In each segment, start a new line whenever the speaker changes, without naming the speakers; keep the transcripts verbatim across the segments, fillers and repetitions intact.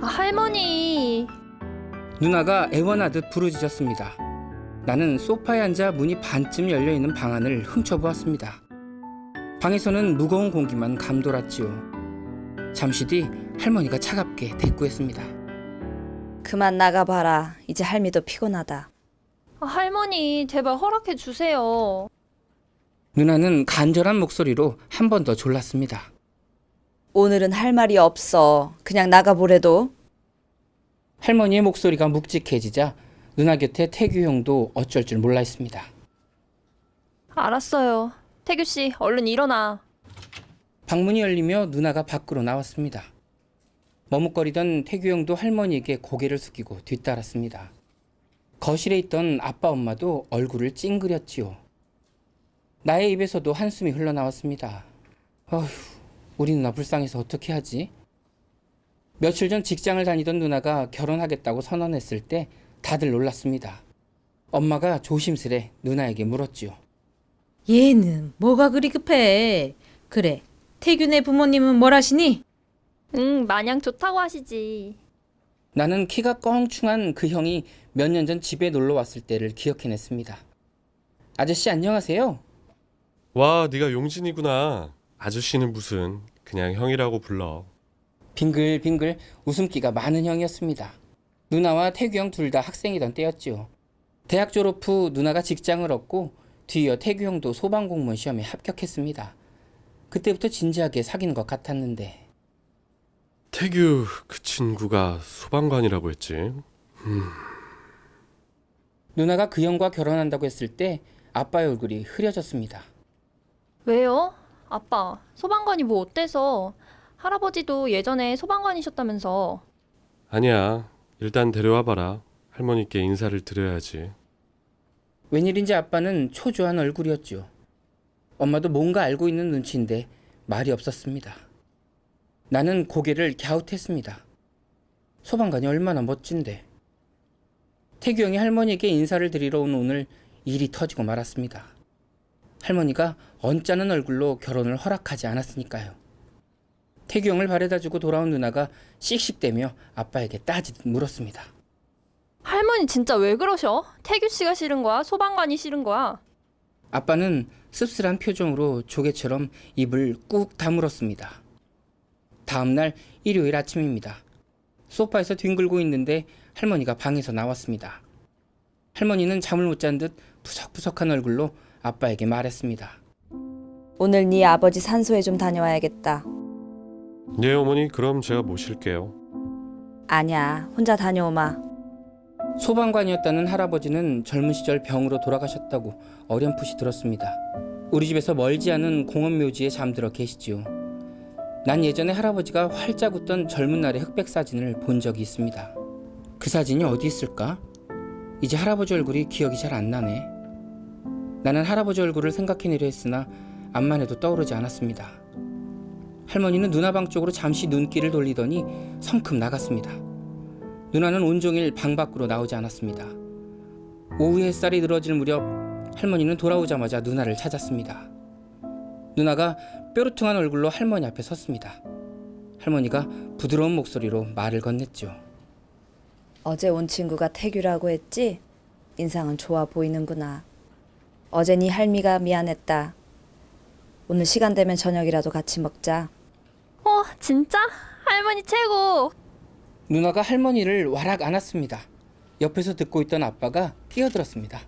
할머니.
누나가 애원하듯 부르짖었습니다. 나는 소파에 앉아 문이 반쯤 열려있는 방 안을 훔쳐보았습니다. 방에서는 무거운 공기만 감돌았지요. 잠시 뒤 할머니가 차갑게 대꾸했습니다.
그만 나가봐라. 이제 할미도 피곤하다.
아, 할머니, 제발 허락해 주세요.
누나는 간절한 목소리로 한 번 더 졸랐습니다.
오늘은 할 말이 없어. 그냥 나가보래도.
할머니의 목소리가 묵직해지자 누나 곁에 태규 형도 어쩔 줄 몰라 했습니다.
알았어요. 태규 씨, 얼른 일어나.
방문이 열리며 누나가 밖으로 나왔습니다. 머뭇거리던 태규 형도 할머니에게 고개를 숙이고 뒤따랐습니다. 거실에 있던 아빠 엄마도 얼굴을 찡그렸지요. 나의 입에서도 한숨이 흘러나왔습니다. 어휴, 우리 누나 불쌍해서 어떻게 하지? 며칠 전 직장을 다니던 누나가 결혼하겠다고 선언했을 때 다들 놀랐습니다. 엄마가 조심스레 누나에게 물었지요.
얘는 뭐가 그리 급해? 그래, 태균의 부모님은 뭘 하시니?
응, 마냥 좋다고 하시지.
나는 키가 껑충한 그 형이 몇 년 전 집에 놀러 왔을 때를 기억해냈습니다. 아저씨 안녕하세요.
와, 네가 용진이구나. 아저씨는 무슨, 그냥 형이라고 불러.
빙글빙글 웃음기가 많은 형이었습니다. 누나와 태규 형 둘 다 학생이던 때였지요. 대학 졸업 후 누나가 직장을 얻고 뒤이어 태규 형도 소방공무원 시험에 합격했습니다. 그때부터 진지하게 사귀는 것 같았는데
태규 그 친구가 소방관이라고 했지. 음.
누나가 그 형과 결혼한다고 했을 때 아빠의 얼굴이 흐려졌습니다.
왜요? 아빠, 소방관이 뭐 어때서? 할아버지도 예전에 소방관이셨다면서.
아니야, 일단 데려와봐라. 할머니께 인사를 드려야지.
웬일인지 아빠는 초조한 얼굴이었죠. 엄마도 뭔가 알고 있는 눈치인데 말이 없었습니다. 나는 고개를 갸웃했습니다. 소방관이 얼마나 멋진데. 태규 형이 할머니에게 인사를 드리러 온 오늘 일이 터지고 말았습니다. 할머니가 언짢은 얼굴로 결혼을 허락하지 않았으니까요. 태규 형을 바래다주고 돌아온 누나가 씩씩대며 아빠에게 따지듯 물었습니다.
할머니 진짜 왜 그러셔? 태규 씨가 싫은 거야? 소방관이 싫은 거야?
아빠는 씁쓸한 표정으로 조개처럼 입을 꾹 다물었습니다. 다음날 일요일 아침입니다. 소파에서 뒹굴고 있는데 할머니가 방에서 나왔습니다. 할머니는 잠을 못 잔 듯 푸석푸석한 얼굴로 아빠에게 말했습니다.
오늘 네 아버지 산소에 좀 다녀와야겠다.
네 어머니, 그럼 제가 모실게요.
아니야, 혼자 다녀오마.
소방관이었다는 할아버지는 젊은 시절 병으로 돌아가셨다고 어렴풋이 들었습니다. 우리 집에서 멀지 않은 공원묘지에 잠들어 계시지요. 난 예전에 할아버지가 활짝 웃던 젊은 날의 흑백 사진을 본 적이 있습니다. 그 사진이 어디 있을까? 이제 할아버지 얼굴이 기억이 잘 안 나네. 나는 할아버지 얼굴을 생각해내려 했으나 암만 해도 떠오르지 않았습니다. 할머니는 누나 방 쪽으로 잠시 눈길을 돌리더니 성큼 나갔습니다. 누나는 온종일 방 밖으로 나오지 않았습니다. 오후 햇살이 늘어질 무렵 할머니는 돌아오자마자 누나를 찾았습니다. 누나가 뾰루퉁한 얼굴로 할머니 앞에 섰습니다. 할머니가 부드러운 목소리로 말을 건넸죠.
어제 온 친구가 태규라고 했지? 인상은 좋아 보이는구나. 어제 네 할미가 미안했다. 오늘 시간 되면 저녁이라도 같이 먹자.
어, 진짜? 할머니 최고!
누나가 할머니를 와락 안았습니다. 옆에서 듣고 있던 아빠가 끼어들었습니다.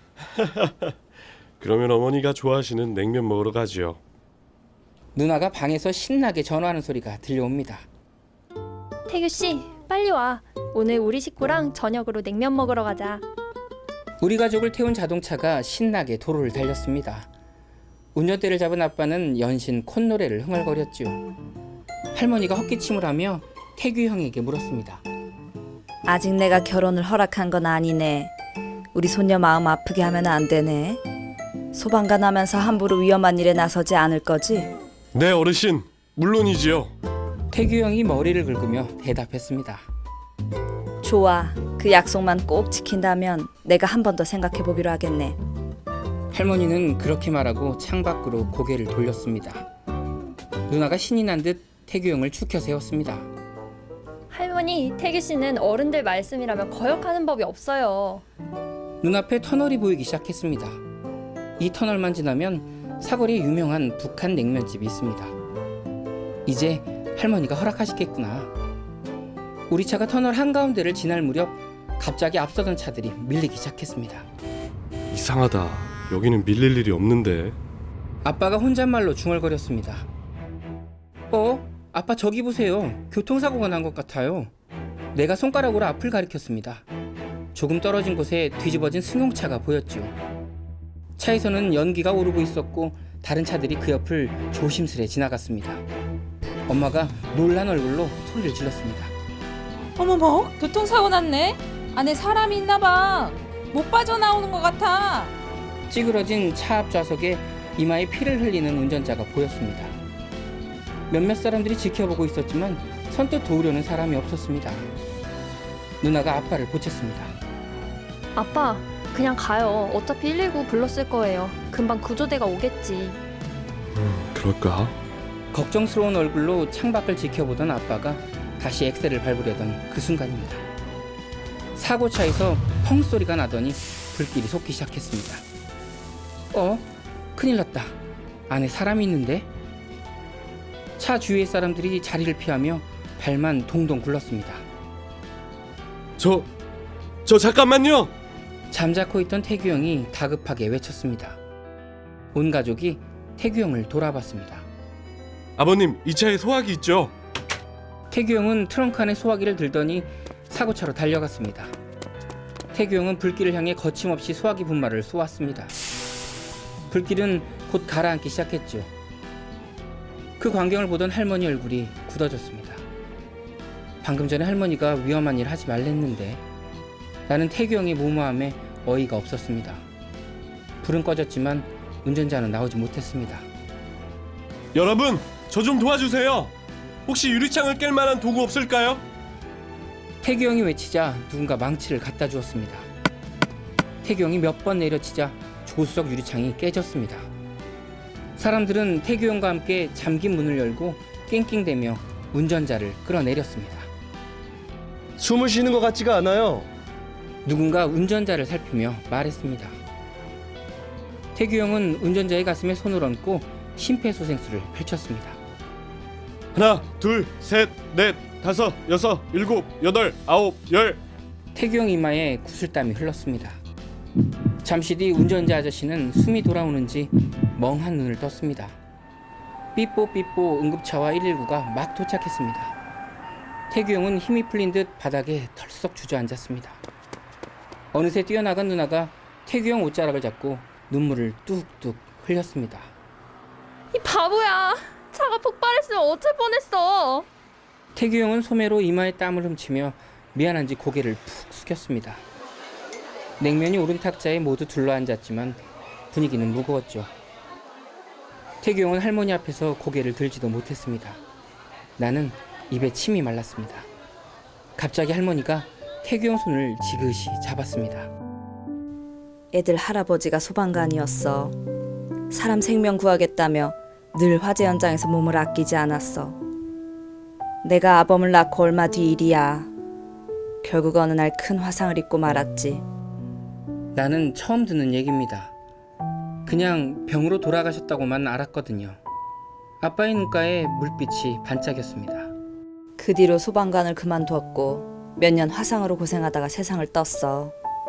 그러면 어머니가 좋아하시는 냉면 먹으러 가지요.
누나가 방에서 신나게 전화하는 소리가 들려옵니다.
태규 씨, 빨리 와. 오늘 우리 식구랑 저녁으로 냉면 먹으러 가자.
우리 가족을 태운 자동차가 신나게 도로를 달렸습니다. 운전대를 잡은 아빠는 연신 콧노래를 흥얼거렸지요. 할머니가 헛기침을 하며 태규 형에게 물었습니다.
아직 내가 결혼을 허락한 건 아니네. 우리 손녀 마음 아프게 하면 안 되네. 소방관 하면서 함부로 위험한 일에 나서지 않을 거지?
네 어르신, 물론이지요.
태규 형이 머리를 긁으며 대답했습니다.
좋아. 그 약속만 꼭 지킨다면 내가 한 번 더 생각해 보기로 하겠네.
할머니는 그렇게 말하고 창밖으로 고개를 돌렸습니다. 누나가 신이 난 듯 태규 형을 축혀 세웠습니다.
할머니, 태규 씨는 어른들 말씀이라면 거역하는 법이 없어요.
눈앞에 터널이 보이기 시작했습니다. 이 터널만 지나면 사거리에 유명한 북한 냉면집이 있습니다. 이제 할머니가 허락하시겠구나. 우리 차가 터널 한가운데를 지날 무렵 갑자기 앞서던 차들이 밀리기 시작했습니다.
이상하다. 여기는 밀릴 일이 없는데.
아빠가 혼잣말로 중얼거렸습니다. 어? 아빠 저기 보세요. 교통사고가 난 것 같아요. 내가 손가락으로 앞을 가리켰습니다. 조금 떨어진 곳에 뒤집어진 승용차가 보였죠. 차에서는 연기가 오르고 있었고 다른 차들이 그 옆을 조심스레 지나갔습니다. 엄마가 놀란 얼굴로 소리를 질렀습니다.
어머머, 교통사고 났네. 안에 사람이 있나 봐. 못 빠져나오는 것 같아.
찌그러진 차 앞 좌석에 이마에 피를 흘리는 운전자가 보였습니다. 몇몇 사람들이 지켜보고 있었지만 선뜻 도우려는 사람이 없었습니다. 누나가 아빠를 보챘습니다.
아빠, 그냥 가요. 어차피 일일구 불렀을 거예요. 금방 구조대가 오겠지.
음, 그럴까?
걱정스러운 얼굴로 창밖을 지켜보던 아빠가 다시 엑셀을 밟으려던 그 순간입니다. 사고차에서 펑 소리가 나더니 불길이 솟기 시작했습니다. 어? 큰일 났다. 안에 사람이 있는데? 차 주위의 사람들이 자리를 피하며 발만 동동 굴렀습니다.
저, 저 잠깐만요.
잠자코 있던 태규 형이 다급하게 외쳤습니다. 온 가족이 태규 형을 돌아봤습니다.
아버님, 이 차에 소화기 있죠?
태규 형은 트렁크 안에 소화기를 들더니 사고차로 달려갔습니다. 태규 형은 불길을 향해 거침없이 소화기 분말을 쏘았습니다. 불길은 곧 가라앉기 시작했죠. 그 광경을 보던 할머니 얼굴이 굳어졌습니다. 방금 전에 할머니가 위험한 일 하지 말랬는데 나는 태규 형의 무모함에 어이가 없었습니다. 불은 꺼졌지만 운전자는 나오지 못했습니다.
여러분, 저 좀 도와주세요. 혹시 유리창을 깰 만한 도구 없을까요?
태규 형이 외치자 누군가 망치를 갖다 주었습니다. 태규 형이 몇 번 내려치자 조수석 유리창이 깨졌습니다. 사람들은 태규 형과 함께 잠긴 문을 열고 낑낑대며 운전자를 끌어내렸습니다.
숨을 쉬는 것 같지가 않아요.
누군가 운전자를 살피며 말했습니다. 태규 형은 운전자의 가슴에 손을 얹고 심폐소생술을 펼쳤습니다.
하나, 둘, 셋, 넷, 다섯, 여섯, 일곱, 여덟, 아홉, 열.
태규 형 이마에 구슬땀이 흘렀습니다. 잠시 뒤 운전자 아저씨는 숨이 돌아오는지 멍한 눈을 떴습니다. 삐뽀삐뽀 응급차와 일일구가 막 도착했습니다. 태규 형은 힘이 풀린 듯 바닥에 털썩 주저앉았습니다. 어느새 뛰어나간 누나가 태규 형 옷자락을 잡고 눈물을 뚝뚝 흘렸습니다.
이 바보야. 차가 폭발했으면 어쩔 뻔했어.
태규 형은 소매로 이마에 땀을 훔치며 미안한지 고개를 푹 숙였습니다. 냉면이 오른 탁자에 모두 둘러앉았지만 분위기는 무거웠죠. 태규 형은 할머니 앞에서 고개를 들지도 못했습니다. 나는 입에 침이 말랐습니다. 갑자기 할머니가 태규 형 손을 지그시 잡았습니다.
애들 할아버지가 소방관이었어. 사람 생명 구하겠다며 늘 화재 현장에서 몸을 아끼지 않았어. 내가 아범을 낳고 얼마 뒤 일이야. 결국 어느 날 큰 화상을 입고 말았지.
나는 처음 듣는 얘기입니다. 그냥 병으로 돌아가셨다고만 알았거든요. 아빠의 눈가에 물빛이 반짝였습니다.
그 뒤로 소방관을 그만두었고 몇 년 화상으로 고생하다가 세상을 떴어.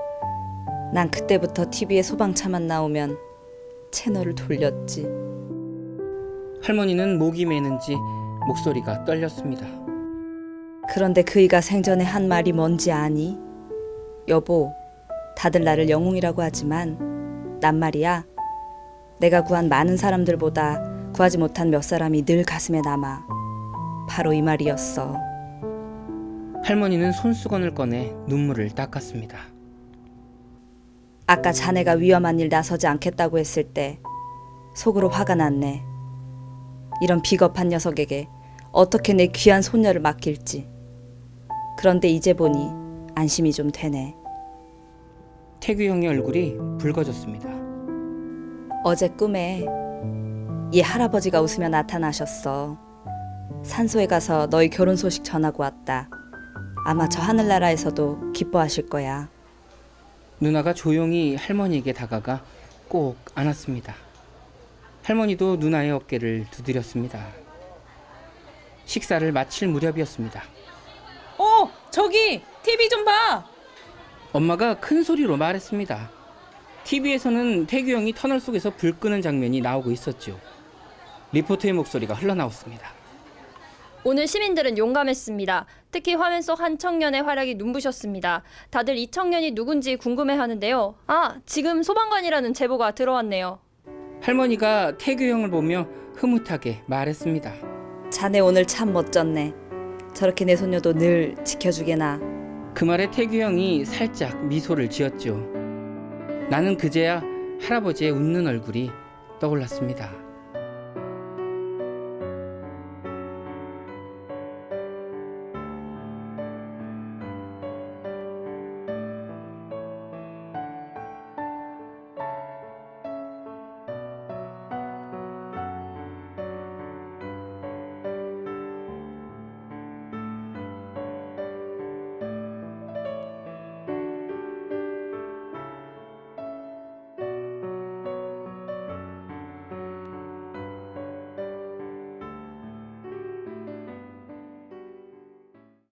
난 그때부터 티비에 소방차만 나오면 채널을 돌렸지.
할머니는 목이 메는지 목소리가 떨렸습니다.
그런데 그이가 생전에 한 말이 뭔지 아니? 여보, 다들 나를 영웅이라고 하지만 난 말이야. 내가 구한 많은 사람들보다 구하지 못한 몇 사람이 늘 가슴에 남아. 바로 이 말이었어.
할머니는 손수건을 꺼내 눈물을 닦았습니다.
아까 자네가 위험한 일 나서지 않겠다고 했을 때 속으로 화가 났네. 이런 비겁한 녀석에게 어떻게 내 귀한 손녀를 맡길지. 그런데 이제 보니 안심이 좀 되네.
태규 형의 얼굴이 붉어졌습니다.
어제 꿈에 이 할아버지가 웃으며 나타나셨어. 산소에 가서 너희 결혼 소식 전하고 왔다. 아마 저 하늘나라에서도 기뻐하실 거야.
누나가 조용히 할머니에게 다가가 꼭 안았습니다. 할머니도 누나의 어깨를 두드렸습니다. 식사를 마칠 무렵이었습니다.
어, 저기 티비 좀 봐.
엄마가 큰 소리로 말했습니다. 티비에서는 태규 형이 터널 속에서 불 끄는 장면이 나오고 있었죠. 리포터의 목소리가 흘러나왔습니다.
오늘 시민들은 용감했습니다. 특히 화면 속 한 청년의 활약이 눈부셨습니다. 다들 이 청년이 누군지 궁금해하는데요. 아, 지금 소방관이라는 제보가 들어왔네요.
할머니가 태규 형을 보며 흐뭇하게 말했습니다.
자네 오늘 참 멋졌네. 저렇게 내 손녀도 늘 지켜주게나.
그 말에 태규 형이 살짝 미소를 지었죠. 나는 그제야 할아버지의 웃는 얼굴이 떠올랐습니다.